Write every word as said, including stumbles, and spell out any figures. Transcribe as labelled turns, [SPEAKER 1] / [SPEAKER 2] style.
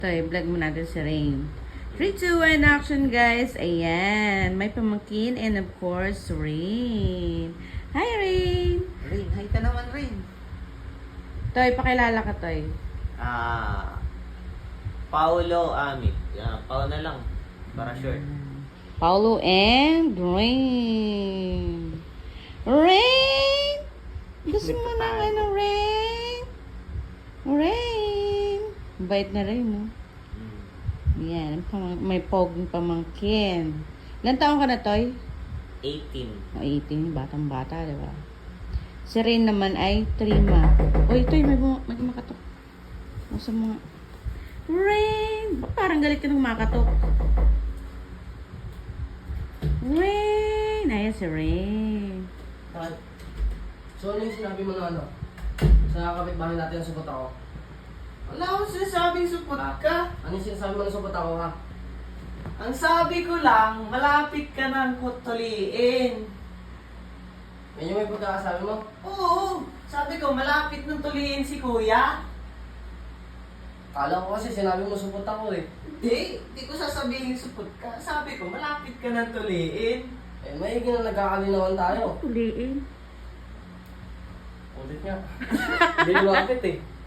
[SPEAKER 1] Ito, i-vlog mo natin si Rain. three, two, one, action guys. Ayan. May pamangkin and of course, Rain. Hi, Rain.
[SPEAKER 2] Rain, hi ka naman, Rain.
[SPEAKER 1] Toy, pakilala ka, Toy.
[SPEAKER 2] Ah, Paulo Amit. Yeah, Pao na lang. Para short.
[SPEAKER 1] Paulo and Rain. Rain! Gusto mo ng ano, Rain? Rain! Bait na rin, no?
[SPEAKER 2] Mm.
[SPEAKER 1] Yan, pamang- may poging pamangkin. Ilan taon ka na, Toy?
[SPEAKER 2] eighteen.
[SPEAKER 1] O, eighteen, batang-bata, di ba? Si Rain naman ay three ma. Uy, Toy, may, buma- may kumakatok. Masa mga... Rain! Ba't parang galit ka nung kumakatok? Rain! Ayan si Rain.
[SPEAKER 3] Bakit? So ano yung sinabi mo na ano? Sa kapitbahay natin ang supot ako?
[SPEAKER 2] Wala akong sinasabing supot ka.
[SPEAKER 3] Ano yung sinasabi mo na supot ako ha?
[SPEAKER 2] Ang sabi ko lang, malapit ka ng kutuliin.
[SPEAKER 3] Yan yung may pagkakasabi mo?
[SPEAKER 2] Oo, sabi ko, malapit ng tuliin si kuya.
[SPEAKER 3] Kala ko kasi sinabi mo supot ako eh.
[SPEAKER 2] Hindi, hindi ko sasabihin supot ka. Sabi ko, malapit ka ng tuliin.
[SPEAKER 3] Eh maigi na nagkakalinawan tayo.
[SPEAKER 1] Tuliin.
[SPEAKER 3] Ulit nga. Hindi lumapit eh.